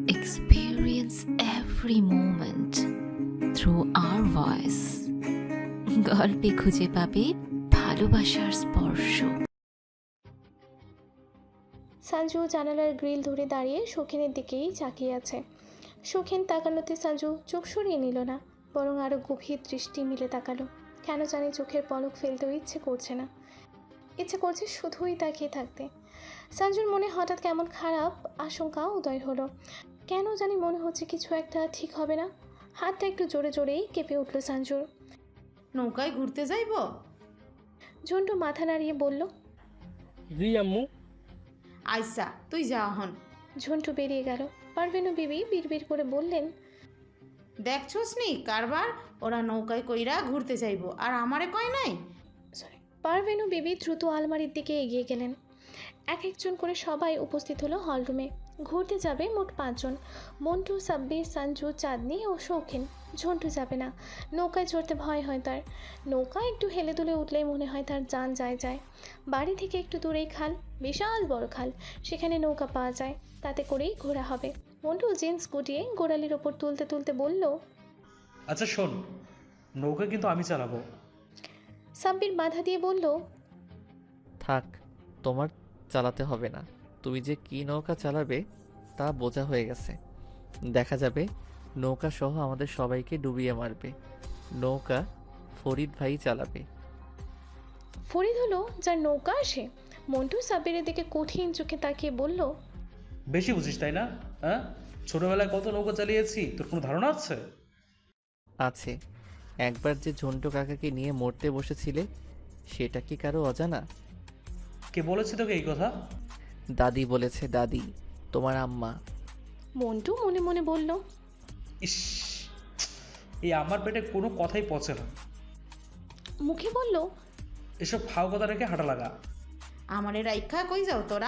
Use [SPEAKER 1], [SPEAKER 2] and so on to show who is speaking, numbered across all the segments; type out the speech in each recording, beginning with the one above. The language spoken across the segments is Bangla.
[SPEAKER 1] experience every moment through our voice. গল্পে খুঁজে পাবে ভালোবাসার স্পর্শ।
[SPEAKER 2] সঞ্জু জানালার গ্রিল ধরে দাঁড়িয়ে শৌখিনের দিকেই তাকিয়ে আছে। শৌখিন তাকানোতে সঞ্জু চোখ সরিয়ে নিল না, বরং আরও গভীর দৃষ্টি মিলে তাকালো। কেন জানি চোখের পলক ফেলতেও ইচ্ছে করছে না, ইচ্ছে করছে শুধুই তাকিয়ে থাকতে। সঞ্জুর মনে হঠাৎ কেমন খারাপ আশঙ্কা উদয় হলো। কেন জানি মনে হচ্ছে কিছু একটা ঠিক হবে না। হাতটা একটু জোরে জোরেই কেঁপে উঠল সঞ্জুর।
[SPEAKER 3] নৌকায় ঘুরতে যাইব?
[SPEAKER 2] ঝন্টু মাথা নাড়িয়ে বলল,
[SPEAKER 4] জি আম্মু।
[SPEAKER 3] আইসা তুই যা হন।
[SPEAKER 2] ঝন্টু বেরিয়ে গেল। পারভেনু বিবি বিড়বিড় করে বললেন,
[SPEAKER 3] দেখছোস নি কারবার, ওরা নৌকায় কইরা ঘুরতে যাইব আর আমারে কয় নাই।
[SPEAKER 2] পারভেনু বিবি দ্রুত আলমারির দিকে এগিয়ে গেলেন। এক একজন করে সবাই উপস্থিত হলো হলরুমে। ঘুরতে যাবে মোট 5 জন। মন্টু, সাব্বির, সঞ্জু, চাঁদনি ও শৌখিন। ঝন্টু যাবে না, নৌকায় চড়তে ভয় হয় তার। নৌকা একটু হেলে দুলে উঠলেই মনে হয় তার জান যায় যায়। বাড়ি থেকে একটু দূরেই খাল, বিশাল বড় খাল, সেখানে নৌকা পাওয়া যায়, তাতে করেই ঘোরা হবে। মন্টু জিন্স গুটিয়ে গোড়ালির ওপর তুলতে তুলতে বলল,
[SPEAKER 5] আচ্ছা শোন, নৌকা কিন্তু আমি চালাবো।
[SPEAKER 2] সাব্বির বাধা দিয়ে বলল,
[SPEAKER 6] থাক, তোমার চালাতে হবে না। তুমি যে কি নৌকা চালাবে তা বোঝা হয়ে গেছে। দেখা যাবে নৌকা সহ আমাদের সবাইকে ডুবিয়ে মারবে। নৌকা ফরিদ ভাই চালাবে।
[SPEAKER 2] ফরিদ হলো যার নৌকা আসে। মন্টু সাব্বিরের দিকে কঠিন চোখে তাকিয়ে বলল,
[SPEAKER 5] বেশি বুঝিস তাই না? হ্যাঁ, ছোটবেলায় কত নৌকা চালিয়েছি, তোর কোনো ধারণা আছে?
[SPEAKER 6] আছে, একবার যে ঝন্টু কাকাকে নিয়ে মরতে বসেছিলে সেটা কি কারো অজানা?
[SPEAKER 5] কে বলেছে তোকে এই কথা?
[SPEAKER 6] দাদি বলেছে, দাদি, তোমার আম্মা।
[SPEAKER 2] মন্টু মনে মনে বলল,
[SPEAKER 5] ইস, এই আমার পেটে কোনো কথাই পচে না।
[SPEAKER 2] মুখে বলল,
[SPEAKER 5] এসব ফাও কথা রেখে হাঁটা লাগা।
[SPEAKER 3] আমারে রাইখা কই যাও তোরা?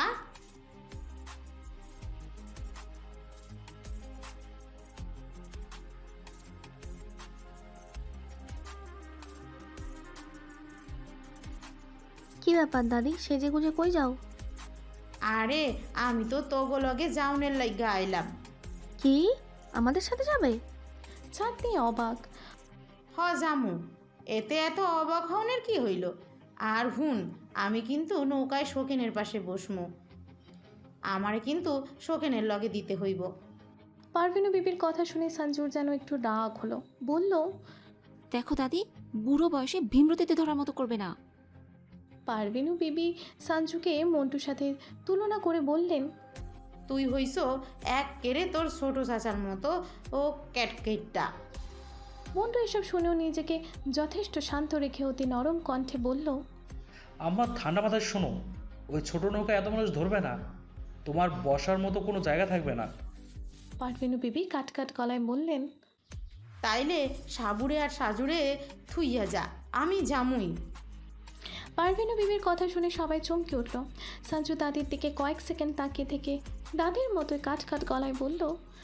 [SPEAKER 7] কি ব্যাপার দাদি, সেজে গুজে কই যাও?
[SPEAKER 3] আরে আমি তো তোগো লগে যাওনের লাইগা আইলাম।
[SPEAKER 7] কি আমাদের সাথে যাবে?
[SPEAKER 2] চাঁদনি অবাক।
[SPEAKER 3] হ জামু, এতে এত অবাক হওনের কি হইল? আর হুন, আমি কিন্তু নৌকায় শৌখিনের পাশে বসমু। আমারে কিন্তু শৌখিনের লগে দিতে হইব।
[SPEAKER 2] পারভিনু বিবির কথা শুনে সঞ্জুর যেন একটু রাগ হলো। বলল,
[SPEAKER 1] দেখো দাদি, বুড়ো বয়সে ভীমরতিতে ধরার মতো করবে না।
[SPEAKER 2] পারভিনু বিবি সঞ্জুকে মন্টুর সাথে তুলনা করে বললেন,
[SPEAKER 3] তুই হইছ এক কেড়ে তোর ছোট চাচার মতো ও ক্যাটকেটটা।
[SPEAKER 2] মন্টু এসব শুনেও নিজেকে যথেষ্ট শান্ত রেখে অতি নরম কণ্ঠে বলল,
[SPEAKER 5] আমার ঠান্ডা মাথায় শোনো, ওই ছোট নৌকা এত মানুষ ধরবে না, তোমার বসার মতো কোনো জায়গা থাকবে না।
[SPEAKER 2] পারভিনু বিবি কাট কাট গলায় বললেন,
[SPEAKER 3] তাইলে সাবুরে আর সাজুরে থুইয়া যা, আমি জামুই।
[SPEAKER 2] পারভিনু বিবির কথা শুনে সবাই চমকে উঠল। সঞ্জু দাদির দিকে কয়েক সেকেন্ড তাকিয়ে থেকে দাদির মতোই কাট কাট গলায় বলল,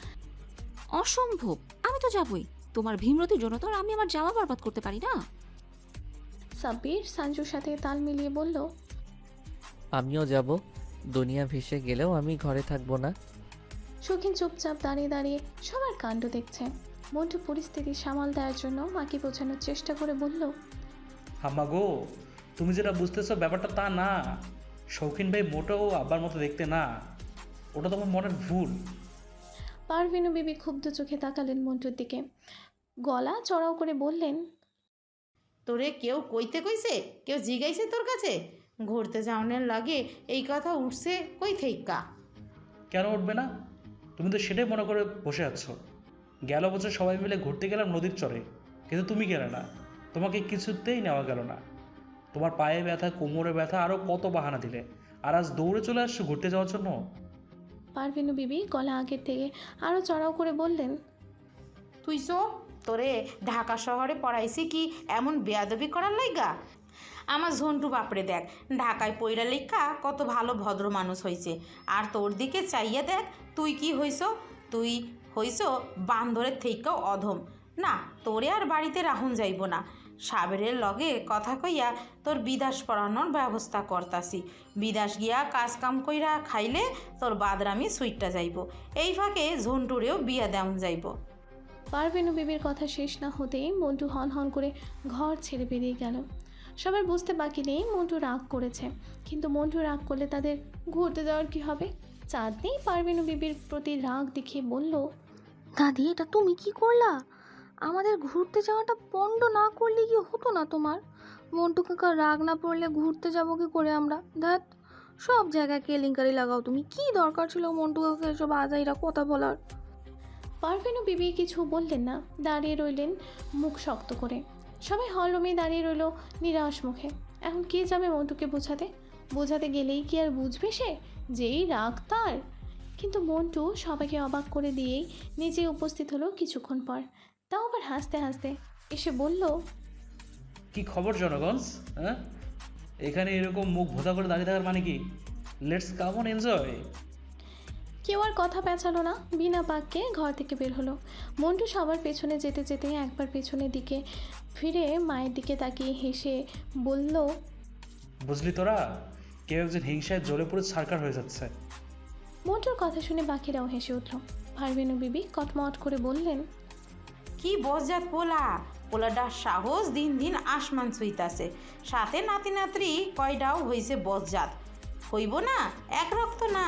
[SPEAKER 1] অসম্ভব, আমি তো যাবই। তোমার ভীমরতির জন্য তো আর আমি আমার জামা বরবাদ করতে পারি না।
[SPEAKER 2] সাব্বির সঞ্জুর সাথে তাল মিলিয়ে বলল,
[SPEAKER 6] আমিও যাব। দুনিয়া ভেসে গেলেও আমি ঘরে থাকবো না।
[SPEAKER 2] শৌখিন চুপচাপ দাঁড়িয়ে দাঁড়িয়ে সবার কাণ্ড দেখছে। মন্টু পরিস্থিতি সামাল দেওয়ার জন্য মাকে বোঝানোর চেষ্টা করে বলল,
[SPEAKER 5] হাম্মা গো, তুমি যেটা বুঝতেছো ব্যাপারটা তা না। শৌখিন ভাই মোটেও আব্বার মতো দেখতে না, ওটা তোমার মনের ভুল।
[SPEAKER 2] পারভিনু বিবি ক্ষুব্ধ চোখে তাকালেন মন্টুর দিকে, গলা চড়াও করে বললেন,
[SPEAKER 3] তোরে কেউ কইতে কইছে? কেউ জিগাইছে তোর কাছে? ঘুরতে যাওনের লাগে এই কথা উঠছে কই থেইকা?
[SPEAKER 5] কেন উঠবে না? তুমি তো সেটাই মনে করে বসে আছো। গেল বছর সবাই মিলে ঘুরতে গেলাম নদীর চরে, কিন্তু তুমি গেলে না, তোমাকে কিছুতেই নেওয়া গেল না। তোমার পায়ে ব্যথা, কোমরে ব্যথা, আরও কত বাহানা দিলে, আর আজ দৌড়ে চলে আসছো ঘুরতে যাওয়ার জন্য।
[SPEAKER 2] পারভিনু বিবি গলা আগের থেকে আরও চড়াও করে বললেন,
[SPEAKER 3] তুই সো, তোরে ঢাকা শহরে পড়াইছি কি এমন বেয়াদবি করার লাইগা? আমার ঝন্টু বাপরে দেখ, ঢাকায় পইরা লেখা কত ভালো ভদ্র মানুষ হয়েছে, আর তোর দিকে চাইয়া দেখ তুই কি হইছ? তুই হইছ বান্দরের থেকেও অধম। না, তোরে আর বাড়িতে রাহুন যাইব না। সাবেরের লগে কথা কইয়া তোর বিদাস পড়ানোর ব্যবস্থা করতাছি। বিদাস গিয়া কাজ কাম কইরা খাইলে তোর বাদরামি সুইটটা যাইব। এই ফাঁকে ঝন্টুরেও বিয়া দেওয়া যাইব।
[SPEAKER 2] পারভেনু বিবির কথা শেষ না হতেই মন্টু হন হন করে ঘর ছেড়ে বেরিয়ে গেল। সবার বুঝতে বাকি নেই মন্টু রাগ করেছে, কিন্তু মন্টু রাগ করলে তাদের ঘুরতে যাওয়ার কি হবে? চাঁদনি পারভেনু বিবির প্রতি রাগ দেখিয়ে বলল,
[SPEAKER 7] দাদি এটা তুমি কি করলা? আমাদের ঘুরতে যাওয়াটা পণ্ড না করলে কি হতো না তোমার? মন্টু কাকা রাগ না পড়লে ঘুরতে যাবো কি করে আমরা? ধ্যাত, সব জায়গায় কেলেঙ্কারি লাগাও তুমি। কি দরকার ছিল মন্টু কাকা এসব আজাইরা কথা বলার?
[SPEAKER 2] পারভেনু বিবি কিছু বললেন না, দাঁড়িয়ে রইলেন মুখ শক্ত করে। সবাই হলরুমে দাঁড়িয়ে রইল নিরাশ মুখে। এখন কে যাবে মন্টুকে বোঝাতে? বোঝাতে গেলেই কি আর বুঝবে সে যেই রাগ তার? কিন্তু মন্টু সবাইকে অবাক করে দিয়েই নিজে উপস্থিত হলো কিছুক্ষণ পর। তাও আবার হাসতে হাসতে এসে বলল,
[SPEAKER 5] কি খবর জনগণ? হ্যাঁ, এখানে এরকম মুখ ভোতা করে দাঁড়িয়ে থাকার মানে কি? Let's come on enjoy.
[SPEAKER 2] কেউ আর কথা পেঁচালো না, বিনা বাক্যে ঘর থেকে বের হলো। মন্টু সবার পেছনে যেতে যেতে একবার পেছনের দিকে ফিরে মায়ের দিকে তাকিয়ে হেসে বলল,
[SPEAKER 5] বুঝলি তোরা, কেউ একজন হিংসায় জ্বলে পড়ে ছারকার হয়ে যাচ্ছে।
[SPEAKER 2] মন্টুর কথা শুনে বাকিরাও হেসে উঠল। পারভেনু বিবি কটমট করে বললেন,
[SPEAKER 3] কি বজ্জাত পোলা, পোলাটার সাহস দিন দিন আসমান ছুঁইতাছে। সাথে নাতি নাতরি কয়টাও হইছে বজ্জাত, হইব না এক রক্ত না।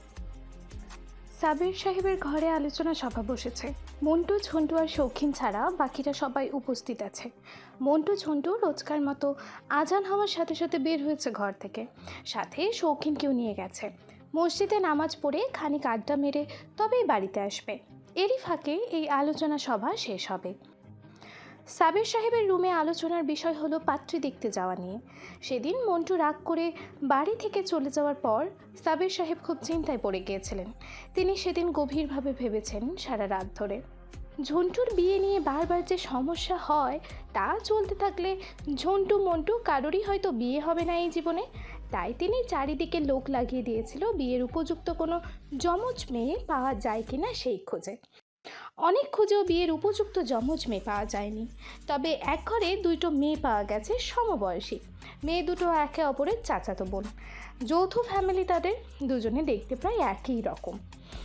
[SPEAKER 2] সাবির সাহেবের ঘরে আলোচনা সভা বসেছে। মন্টু, ঝন্টু আর শৌখিন ছাড়া বাকিরা সবাই উপস্থিত আছে। মন্টু ঝন্টু রোজকার মতো আজান হওয়ার সাথে সাথে বের হয়েছে ঘর থেকে, সাথে শৌখিনকেও নিয়ে গেছে। মসজিদে নামাজ পড়ে খানিক আড্ডা মেরে তবেই বাড়িতে আসবে। এরই ফাঁকে এই আলোচনা সভা শেষ হবে। সাবির সাহেবের রুমে আলোচনার বিষয় হলো পাত্রী দেখতে যাওয়া নিয়ে। সেদিন মন্টু রাগ করে বাড়ি থেকে চলে যাওয়ার পর সাবির সাহেব খুব চিন্তায় পড়ে গিয়েছিলেন। তিনি সেদিন গভীরভাবে ভেবেছেন সারা রাত ধরে। ঝন্টুর বিয়ে নিয়ে বারবার যে সমস্যা হয় তা চলতে থাকলে ঝন্টু মন্টু কারোরই হয়তো বিয়ে হবে না এই জীবনে। তাই তিনি চারিদিকে লোক লাগিয়ে দিয়েছিল বিয়ের উপযুক্ত কোনো যমজ মেয়ে পাওয়া যায় কিনা সেই খোঁজে। অনেক খুঁজেও বিয়ের উপযুক্ত যমজ মেয়ে পাওয়া যায়নি। তবে এক ঘরে দুটো মেয়ে পাওয়া গেছে সমবয়সী। মেয়ে দুটো একে অপরের চাচাতো বোন, যৌথ ফ্যামিলি তাদের, দুজনে দেখতে প্রায় একই রকম।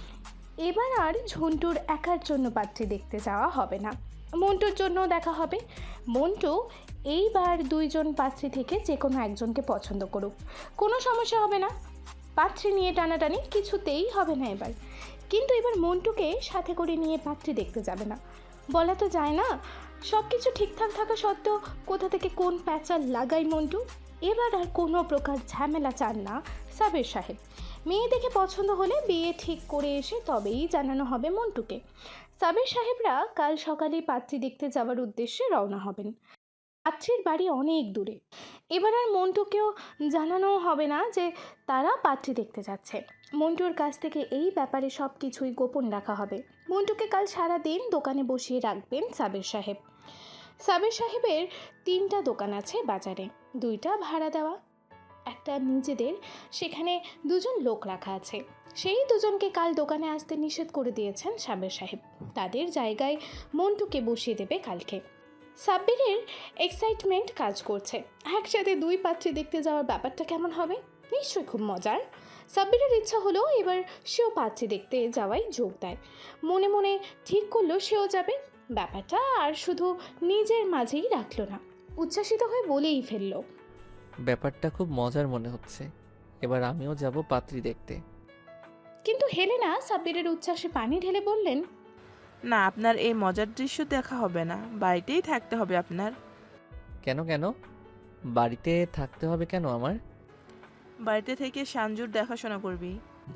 [SPEAKER 2] এবার আর ঝন্টুর একার জন্য পাত্রী দেখতে যাওয়া হবে না, মন্টুর জন্যও দেখা হবে। মন্টু এইবার দুইজন পাত্রী থেকে যে কোনো একজনকে পছন্দ করুক, কোনো সমস্যা হবে না। পাত্রী নিয়ে টানাটানি কিছুতেই হবে না এবার। কিন্তু এবার মন্টুকে সাথে করে নিয়ে পাত্রী দেখতে যাবে না, বলা তো যায় না। সব কিছু ঠিকঠাক থাকা সত্ত্বেও কোথা থেকে কোন প্যাঁচাল লাগাই মন্টু। এবার আর কোনো প্রকার ঝামেলা চান না সাবির সাহেব। মেয়ে দেখে পছন্দ হলে বিয়ে ঠিক করে এসে তবেই জানানো হবে মন্টুকে। সাবির সাহেবরা কাল সকালেই পাত্রী দেখতে যাওয়ার উদ্দেশ্যে রওনা হবেন। পাত্রীর বাড়ি অনেক দূরে। এবার আর মন্টুকেও জানানো হবে না যে তারা পাত্রী দেখতে যাচ্ছে। মন্টুর কাছ থেকে এই ব্যাপারে সব কিছুই গোপন রাখা হবে। মন্টুকে কাল সারা দিন দোকানে বসিয়ে রাখবেন সাবির সাহেব। সাবির সাহেবের 3টা দোকান আছে বাজারে, 2টা ভাড়া দেওয়া, একটা নিজেদের। সেখানে 2জন লোক রাখা আছে। সেই 2জনকে কাল দোকানে আসতে নিষেধ করে দিয়েছেন সাবির সাহেব। তাদের জায়গায় মন্টুকে বসিয়ে দেবে কালকে। সাব্বিরের এক্সাইটমেন্ট কাজ করছে। একসাথে 2 পাত্রী দেখতে যাওয়ার ব্যাপারটা কেমন হবে? নিশ্চয়ই খুব মজার। সাব্বিরের ইচ্ছা হলো এবার সেও পাত্রী দেখতে যাওয়াই যোগ দেয়। মনে মনে ঠিক করলো সেও যাবে। ব্যাপারটা আর শুধু নিজের মাঝেই রাখলো না, উচ্ছ্বাসিত হয়ে বলেই ফেললো,
[SPEAKER 6] ব্যাপারটা খুব মজার মনে হচ্ছে, এবার আমিও যাব পাত্রী দেখতে।
[SPEAKER 2] কিন্তু হেলেনা সাব্বিরের উচ্ছ্বাসে পানি ঢেলে বললেন,
[SPEAKER 8] না, আপনার এই মজার দৃশ্য দেখা হবে না, বাড়িতেই থাকতে হবে আপনার।
[SPEAKER 6] কেন কেন বাড়িতে থাকতে হবে কেন আমার?
[SPEAKER 8] বাড়িতে থেকে সঞ্জুর দেখাশোনা করবি।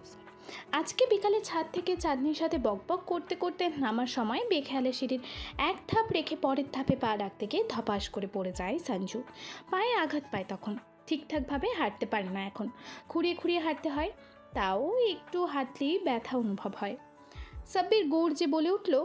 [SPEAKER 2] আজকে বিকালে ছাদ থেকে চাঁদনির সাথে বকবক করতে করতে নামার সময় বেখেয়ালে সিঁড়ির এক ধাপ রেখে পরের ধাপে পা রাখতে গিয়ে ধপাস করে পড়ে যায় সঞ্জু। পায়ে আঘাত পায় তখন। ঠিকঠাকভাবে হাঁটতে পারে না এখন, খুঁড়িয়ে খুঁড়িয়ে হাঁটতে হয়। তাও একটু হাঁটলেই ব্যথা অনুভব হয়। সাব্বির গর্জে বলে উঠল,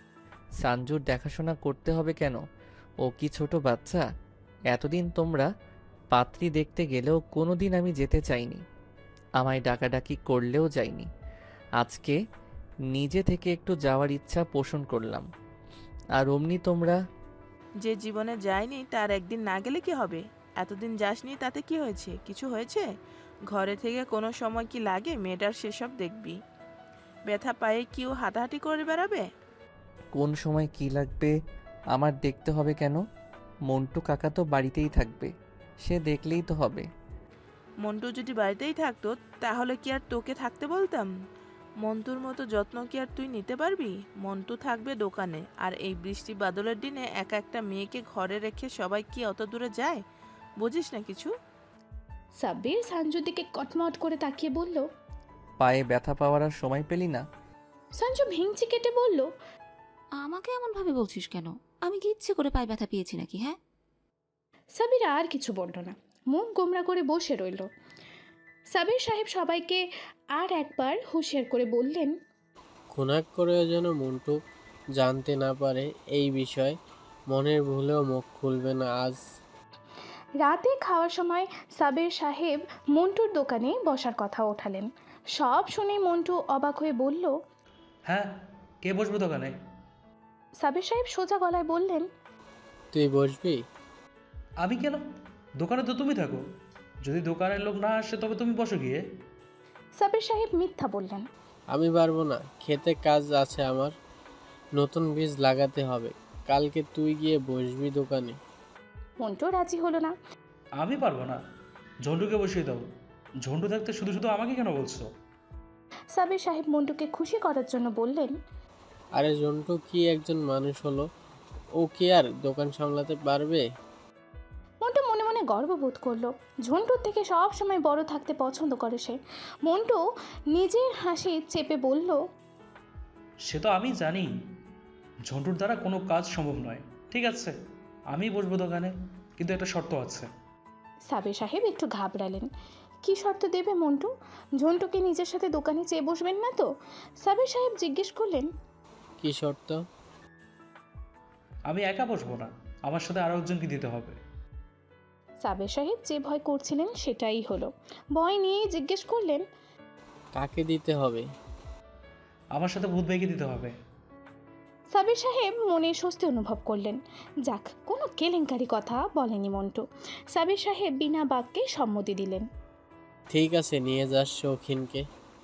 [SPEAKER 6] সঞ্জুর দেখাশোনা করতে হবে কেন? ও কি ছোট বাচ্চা? এতদিন তোমরা পাত্রী দেখতে গেলেও কোনো দিন আমি যেতে চাইনি, আমায় ডাকাডাকি করলেও যাইনি। আজকে নিজে থেকে একটু যাওয়ার ইচ্ছা পোষণ করলাম, আর অমনি তোমরা।
[SPEAKER 8] যে জীবনে যায়নি তার একদিন না গেলে কি হবে? এতদিন যাসনি তাতে কি হয়েছে? কিছু হয়েছে? ঘরে থেকে কোনো সময় কি লাগে মেয়েটার সেসব দেখবি? ব্যথা পায়ে কেউ হাঁটাহাঁটি করে বেড়াবে?
[SPEAKER 6] কোন সময় কি লাগবে আমার দেখতে হবে কেন? মন্টু কাকা তো বাড়িতেই থাকবে, সে দেখলেই তো হবে।
[SPEAKER 8] মন্টু যদি বাড়িতেই থাকতো তাহলে কি আর তোকে থাকতে বলতাম? মন্টুর মতো যত্ন কি আর তুই নিতে পারবি? মন্টু থাকবে দোকানে, আর এই বৃষ্টি বাদলের দিনে একা একটা মেয়েকে ঘরে রেখে সবাই কি অত দূরে যায়? বুঝিস না কিছু?
[SPEAKER 2] সাব্বির সঞ্জুর দিকে কটমট করে তাকিয়ে বলল।
[SPEAKER 6] পায়ে ব্যথা পাওয়ার আর সময় পেলি না?
[SPEAKER 2] সঞ্জু ভেঙচি কেটে বলল।
[SPEAKER 1] আমাকে এমনভাবে বলছিস কেন? আমি কি ইচ্ছে করে পায়ে ব্যথা পেয়েছি নাকি? হ্যাঁ,
[SPEAKER 2] সাবির আর কিছু বলল না, মুখ গোমরা করে বসে রইল। সাবির সাহেব সবাইকে আর একবার হুঁশিয়ার করে বললেন।
[SPEAKER 9] খুনাক করেও যেন মন্টু জানতে না পারে এই বিষয়। মনের ভুলেও মুখ খুলবে না আজ।
[SPEAKER 2] রাতে খাওয়ার সময় সাবির সাহেব মন্টুর দোকানে বসার কথা ওঠালেন। সব শুনে মন্টু অবাক হয়ে বলল।
[SPEAKER 5] হ্যাঁ, কে বসবে দোকানে?
[SPEAKER 2] সাবির সাহেব সোজা গলায় বললেন।
[SPEAKER 9] তুই বসবি?
[SPEAKER 5] আমি কেন? দোকানে তো তুমি থাকো। যদি দোকানের লোক না আসে তবে তুমি বসো গিয়ে।
[SPEAKER 2] সাবির সাহেব মিথ্যা বললেন।
[SPEAKER 9] আমি পারবো না, খেতে কাজ আছে আমার। নতুন বীজ লাগাতে হবে। কালকে তুই গিয়ে বসবি দোকানে।
[SPEAKER 2] মন্টু রাজি হলো না।
[SPEAKER 5] আমি পারবো না, ঝন্টুকে বসিয়ে দাও। ঝন্টু থাকতে শুধু শুধু আমাকে কেন বলছো?
[SPEAKER 2] সাবির সাহেব মন্টুকে খুশি করার জন্য বললেন।
[SPEAKER 9] আরে জন্টু কি একজন মানুষ হলো, ও কি আর দোকান সামলাতে পারবে?
[SPEAKER 2] মন্টু মনে মনে গর্ববোধ করলো। ঝন্টুর থেকে সব সময় বড় থাকতে পছন্দ করে সে। মন্টু নিজের হাসি চেপে বলল।
[SPEAKER 5] সে তো আমি জানি, ঝন্টুর দ্বারা কোনো কাজ সম্ভব নয়। ঠিক আছে, আমি বসবো দোকানে, কিন্তু একটা শর্ত আছে।
[SPEAKER 2] সাবির সাহেব একটু ঘাবড়ালেন। কি শর্ত দেবে মন্টু? ঝন্টুকে নিজের সাথে দোকানে চেয়ে বসবেন না তো? সাবির সাহেব জিজ্ঞেস করলেন।
[SPEAKER 9] কি শর্ত?
[SPEAKER 5] আমি একা বসবো না, আমার সাথে আরো একজনকে দিতে হবে।
[SPEAKER 2] সাবির সাহেব যে ভয় করছিলেন সেটাই হলো। ভয় নিয়ে জিজ্ঞেস করলেন।
[SPEAKER 9] কাকে দিতে হবে?
[SPEAKER 5] আমার সাথে ভূত ভাইকে দিতে হবে।
[SPEAKER 2] সাবির সাহেব মনে স্বস্তি অনুভব করলেন। যাক, কোনো কেলেঙ্কারি কথা বলেনি মন্টু। সাবির সাহেব বিনা বাক্যে সম্মতি দিলেন।
[SPEAKER 9] ঠিক আছে, নিয়ে যাস শৌখিনকে।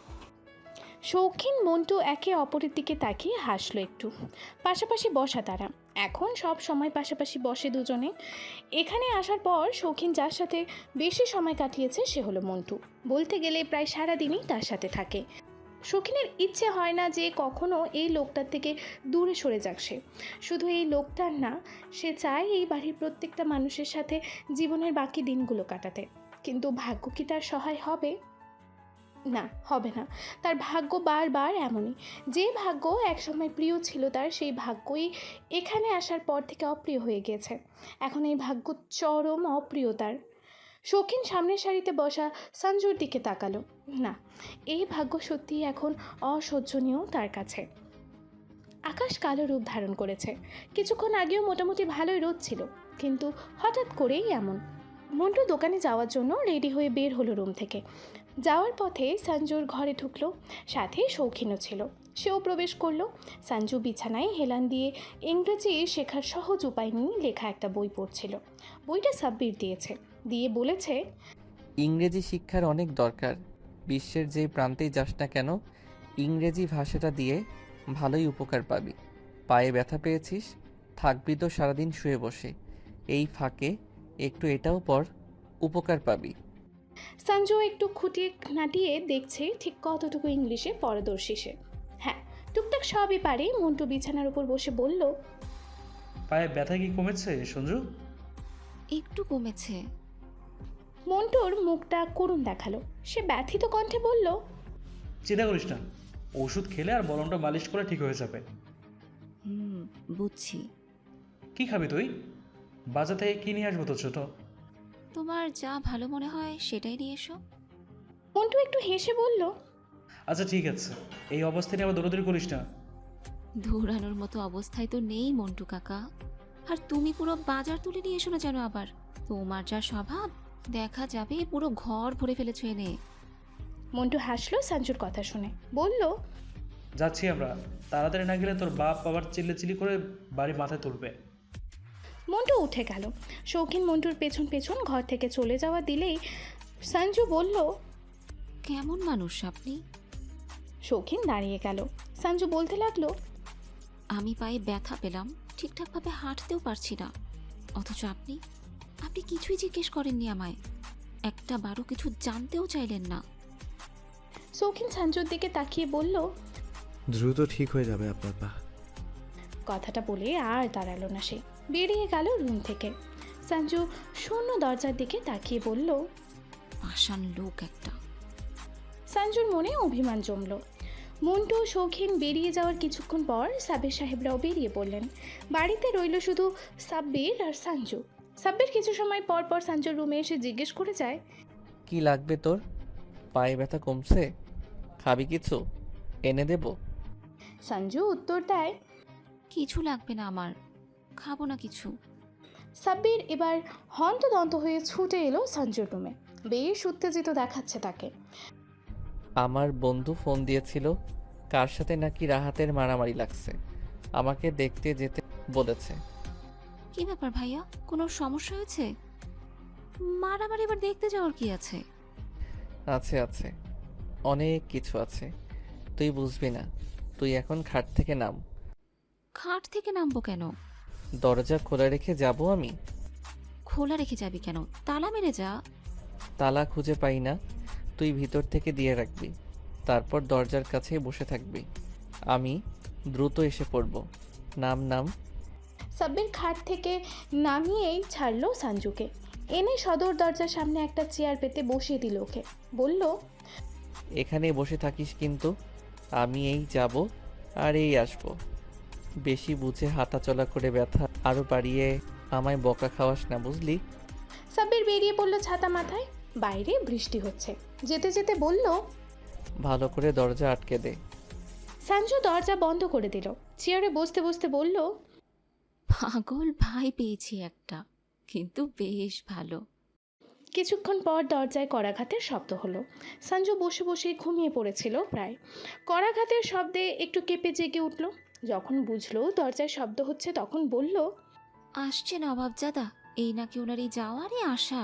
[SPEAKER 2] শৌখিন মন্টু একে অপরের দিকে তাকিয়ে হাসলো একটু। পাশাপাশি বসা তারা, এখন সব সময় পাশাপাশি বসে দুজনে। এখানে আসার পর শৌখিন যার সাথে বেশি সময় কাটিয়েছে সে হলো মন্টু। বলতে গেলে প্রায় সারাদিনই তার সাথে থাকে। শৌখিনের ইচ্ছে হয় না যে কখনো এই লোকটার থেকে দূরে সরে যাক সে। শুধু এই লোকটার না, সে চায় এই বাড়ির প্রত্যেকটা মানুষের সাথে জীবনের বাকি দিনগুলো কাটাতে। কিন্তু ভাগ্য কি তার সহায় হবে? না, হবে না। তার ভাগ্য বারবার এমনই। যে ভাগ্য একসময় প্রিয় ছিল তার, সেই ভাগ্যই এখানে আসার পর থেকে অপ্রিয় হয়ে গেছে। এখন এই ভাগ্য চরম অপ্রিয় তার। শৌখিন সামনের সারিতে বসা সঞ্জুর দিকে তাকালো। না, এই ভাগ্য সত্যিই এখন অসহ্যনীয় তার কাছে। আকাশ কালো রূপ ধারণ করেছে। কিছুক্ষণ আগেও মোটামুটি ভালোই রোদ ছিল, কিন্তু হঠাৎ করেই এমন। মন্টু দোকানে যাওয়ার জন্য রেডি হয়ে বের হলো রুম থেকে। যাওয়ার পথে সঞ্জুর ঘরে ঢুকলো, সাথে শৌখিনও ছিল। সেও প্রবেশ করলো। সঞ্জু বিছানায় হেলান দিয়ে ইংরেজি শেখার সহজ উপায় নিয়ে লেখা একটা বই পড়ছিল। বইটা সাব্বির দিয়েছে, দিয়ে বলেছে।
[SPEAKER 6] ইংরেজি শিক্ষার অনেক দরকার। বিশ্বের যে প্রান্তেই যাস না কেন, ইংরেজি ভাষাটা দিয়ে ভালোই উপকার পাবি। পায়ে ব্যথা পেয়েছিস, থাকবি তো সারাদিন শুয়ে বসে। এই ফাঁকে একটু এটাও পড়, উপকার পাবি।
[SPEAKER 2] সঞ্জু একটু খুঁটিয়ে নাটিয়ে দেখছে ঠিক কতটুকু ইংলিশে পারদর্শী সে। হ্যাঁ, টুকটাক সবই পারে। মন্টু বিছানার উপর বসে বলল।
[SPEAKER 5] পায়ে ব্যথা কি কমেছে সঞ্জু?
[SPEAKER 1] একটু কমেছে।
[SPEAKER 2] মন্টুর মুখটা করুণ দেখালো। সে ব্যথিত কণ্ঠে বলল।
[SPEAKER 5] চিন্তা করিস না, ওষুধ খেলে আর মলমটা মালিশ করে ঠিক হয়ে যাবে।
[SPEAKER 1] বুঝছি।
[SPEAKER 5] কি খাবি তুই? বাজার থেকে কি নিয়ে আসবো তো ছোট?
[SPEAKER 1] তোমার যা ভালো মনে হয় সেটাই নিয়ে এসো।
[SPEAKER 2] মন্টু একটু হেসে বলল।
[SPEAKER 5] আচ্ছা ঠিক আছে, এই অবস্থায় নিয়ে আবার দৌড়াদৌড়ি করিস না।
[SPEAKER 1] দৌড়ানোর মতো অবস্থায় তো নেই মন্টু কাকা। আর তুমি পুরো বাজার তুলে নিয়ে এসো না যেন আবার। তোমার যা স্বভাব, দেখা যাবে পুরো ঘর ভরে ফেলেছো এনে।
[SPEAKER 2] মন্টু হাসলো সঞ্জুর কথা শুনে, বলল।
[SPEAKER 5] যাচ্ছি আমরা, তাড়াতাড়ি না গেলে তোর বাপ আবার চিল্লাচিল্লি করে বাড়ি মাথায় তুলবে।
[SPEAKER 2] মন্টু উঠে গেল। শৌখিন মন্টুর পেছন পেছন ঘর থেকে চলে যাওয়া দিলেই সঞ্জু বলল,
[SPEAKER 1] কেমন মানুষ আপনি?
[SPEAKER 2] শৌখিন দাঁড়িয়ে গেল। সঞ্জু বলতে লাগলো,
[SPEAKER 1] আমি পায়ে ব্যথা পেলাম, ঠিকঠাকভাবে হাঁটতেও পারছি না, অথচ আপনি আপনি কিছুই জিজ্ঞেস করেননি আমায়, একটা বারো কিছু জানতেও চাইলেন না।
[SPEAKER 2] শৌখিন সঞ্জুর দিকে তাকিয়ে বলল,
[SPEAKER 10] দ্রুত ঠিক হয়ে যাবে আপনার পা।
[SPEAKER 2] কথাটা বলে আর দাঁড়ালো না সে, বেরিয়ে গেল রুম থেকে। সঞ্জু শূন্য দরজার দিকে তাকিয়ে বলল,
[SPEAKER 1] পাষাণ লোক একটা।
[SPEAKER 2] সঞ্জুর মনে অভিমান জমল। মন্টু শৌখিন বেরিয়ে যাওয়ার কিছুক্ষণ পর সাব্বির সাহেবরাও বেরিয়ে পড়লেন। বাড়িতে রইল শুধু সাব্বির আর সঞ্জু। সাব্বির কিছু সময় পর পর সঞ্জুর রুমে এসে জিজ্ঞেস করে যায়,
[SPEAKER 6] কি লাগবে তোর? পায়ে ব্যথা কমছে? খাবি কিছু? এনে দেব?
[SPEAKER 2] সঞ্জু উত্তর দেয়,
[SPEAKER 1] কিছু লাগবে না আমার, খাবো না কিছু।
[SPEAKER 2] সাব্বির এবার হন্তদন্ত হয়ে ছুটে এলো সঞ্জুর রুমে। বেশ উত্তেজিত দেখাচ্ছে তাকে।
[SPEAKER 6] আমার বন্ধু ফোন দিয়েছিল, কার সাথে নাকি রাহাতের মারামারি লাগছে, আমাকে দেখতে যেতে বলেছে।
[SPEAKER 1] কি ব্যাপার ভাইয়া, কোনো সমস্যা হয়েছে? মারামারি এবার দেখতে যাওয়ার কি আছে?
[SPEAKER 6] আছে আছে, অনেক কিছু আছে, তুই বুঝবি না। তুই এখন খাট থেকে নাম।
[SPEAKER 1] খাট থেকে নামবো কেন?
[SPEAKER 6] দরজা খোলা রেখে যাব আমি?
[SPEAKER 1] খোলা রেখে যাবি কেন? তালা মেরে যা।
[SPEAKER 6] তালা খুঁজে পাই না, তুই ভিতর থেকে দিয়ে রাখবি, তারপর দরজার কাছেই বসে থাকবি, আমি দ্রুত এসে পড়ব। নাম নাম।
[SPEAKER 2] সাব্বির খাট থেকে নামিয়েই ছাড়লো সঞ্জুকে, এনে সদর দরজার সামনে একটা চেয়ার পেতে বসিয়ে দিল ওকে। বলল,
[SPEAKER 6] এখানেই বসে থাকিস কিন্তু, আমি এই যাব আর এই আসব। বেশি বুঝে হাঁটাচলা করে ব্যথা আরও বাড়িয়ে আমায় বকা খাওয়াস না, বুঝলি?
[SPEAKER 2] সাব্বির বেরিয়ে পড়লো ছাতা মাথায়। বাইরে বৃষ্টি হচ্ছে। যেতে যেতে বলল,
[SPEAKER 6] ভালো করে দরজা আটকে দে।
[SPEAKER 2] সঞ্জু দরজা বন্ধ করে দিল। চেয়ারে বসতে বসতে বলল,
[SPEAKER 1] পাগল ভাই পেয়েছি একটা, কিন্তু বেশ ভালো।
[SPEAKER 2] কিছুক্ষণ পর দরজায় করাঘাতের শব্দ হলো। সঞ্জু বসে বসে ঘুমিয়ে পড়েছিল প্রায়। করাঘাতের শব্দে একটু কেঁপে জেগে উঠল। যখন বুঝলো দরজায় শব্দ হচ্ছে তখন বলল,
[SPEAKER 1] আসছে নবাবজাদা, এই নাকি ওনারই যাওয়ারই আশা।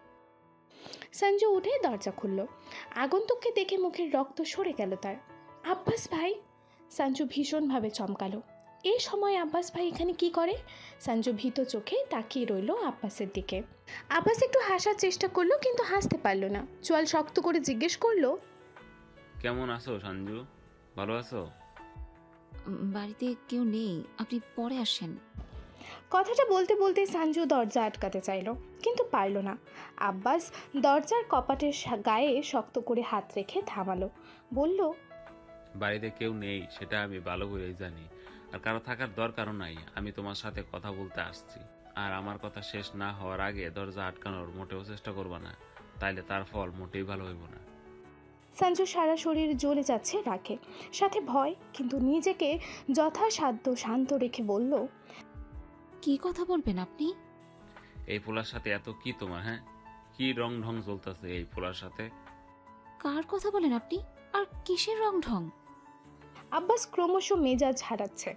[SPEAKER 2] সঞ্জু উঠে দরজা খুলল। আগন্তুককে দেখে মুখের রক্ত সরে গেল তার। আব্বাস ভাই! সঞ্জু ভীষণভাবে চমকালো। এই সময় আব্বাস ভাই এখানে কি করে? সঞ্জু ভীত চোখে তাকিয়ে রইল আব্বাসের দিকে। আব্বাস একটু হাসার চেষ্টা করলো, কিন্তু হাসতে পারল না। চোয়াল শক্ত করে জিজ্ঞেস করলো,
[SPEAKER 11] কেমন আছো সঞ্জু? ভালো আছো?
[SPEAKER 1] বাড়িতে কেউ নেই, আপনি পরে আসেন।
[SPEAKER 2] কথাটা বলতে বলতে সঞ্জু দরজা আটকাতে চাইল, কিন্তু পারল না। আব্বাস দরজার কপাটের গায়ে শক্ত করে হাত রেখে থামালো। বলল,
[SPEAKER 11] বাড়িতে কেউ নেই সেটা আমি ভালো করেই জানি, আর কারো থাকার দরকারও নাই। আমি তোমার সাথে কথা বলতে আসছি, আর আমার কথা শেষ না হওয়ার আগে দরজা আটকানোর মোটেও চেষ্টা করবা না, তাইলে তার ফল মোটেই ভালো হইব না।
[SPEAKER 2] সঞ্জু সারা শরীর জ্বলে যাচ্ছে রাগে, সাথে ভয়, কিন্তু নিজেকে যথাসাধ্য শান্ত রেখে বলল,
[SPEAKER 1] কি কথা বলবেন আপনি?
[SPEAKER 11] এই পোলার সাথে এত কি তোমার? হ্যাঁ, কি রং ঢং চলতেছে এই পোলার সাথে?
[SPEAKER 1] কার কথা বলেন আপনি? আর কিসের রং ঢং?
[SPEAKER 2] আব্বাস ক্রমশ মেজাজ হারাচ্ছে।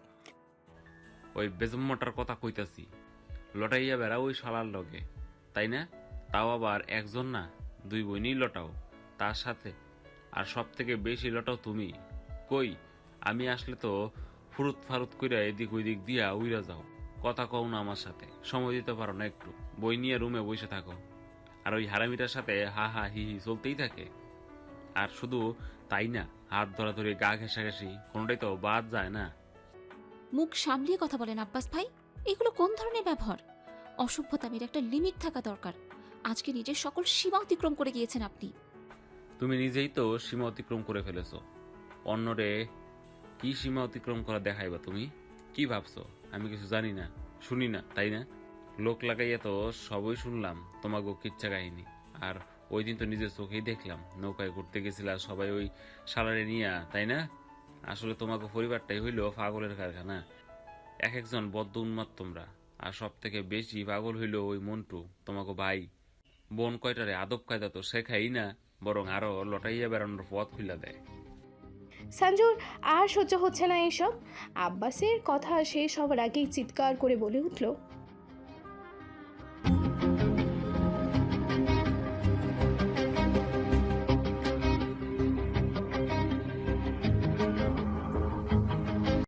[SPEAKER 11] ওই বেজম্মটার কথা কইতাছি, লটাইয়া বেড়া ওই শালার লগে, তাই না? তাও আবার একজন না, দুই বোনই লটাও তার সাথে, আর সব থেকে বেশি লটাও তুমি। কই, আমি আসলে তো ফুরুত ফারুত কইরা এদিক ওইদিক দিয়া উইরা যাও, কথা কও না আমার সাথে, সময় দিতে পারো না একটু, বই নিয়ে রুমে বসে থাকো, আর ওই হারামিটার সাথে হা হা হি হি চলতেই থাকে। আর শুধু তাই না, হাত ধরাধরি গা ঘেঁষাঘেঁষি কোনোটাই তো বাদ যায় না।
[SPEAKER 1] মুখ সামলিয়ে কথা বলেন আব্বাস ভাই, এগুলো কোন ধরনের ব্যবহার? অসভ্যতামির একটা লিমিট থাকা দরকার। আজকে নিজের সকল সীমা অতিক্রম করে গিয়েছেন আপনি।
[SPEAKER 11] তুমি নিজেই তো সীমা অতিক্রম করে ফেলেছো, অন্যরে কি সীমা অতিক্রম করা দেখাইবা তুমি? কি ভাবছো আমি কিছু জানি না, শুনি না, তাই না? লোক লাগাইয়া তো সবই শুনলাম তোমাকে কিচ্ছা কাহিনী। আর ওই দিন তো নিজের চোখেই দেখলাম নৌকায় ঘুরতে গেছিলা সবাই ওই সালারে নিয়া, তাই না? আসলে তোমাকে পরিবারটাই হইল পাগলের কারখানা, এক একজন বদ্ধ উন্মাদ তোমরা। আর সব থেকে বেশি পাগল হইল ওই মন্টু, তোমাকে ভাই। বোন কয়টারে আদব কায়দা তো শেখাই না, বরং আরো লটাইয়া বেড়ানোর পথ খুলে দেয়।
[SPEAKER 2] সঞ্জুর আর সহ্য হচ্ছে না এসব। আব্বাসের কথা শেষ হওয়ার আগেই চিৎকার করে বলে উঠল,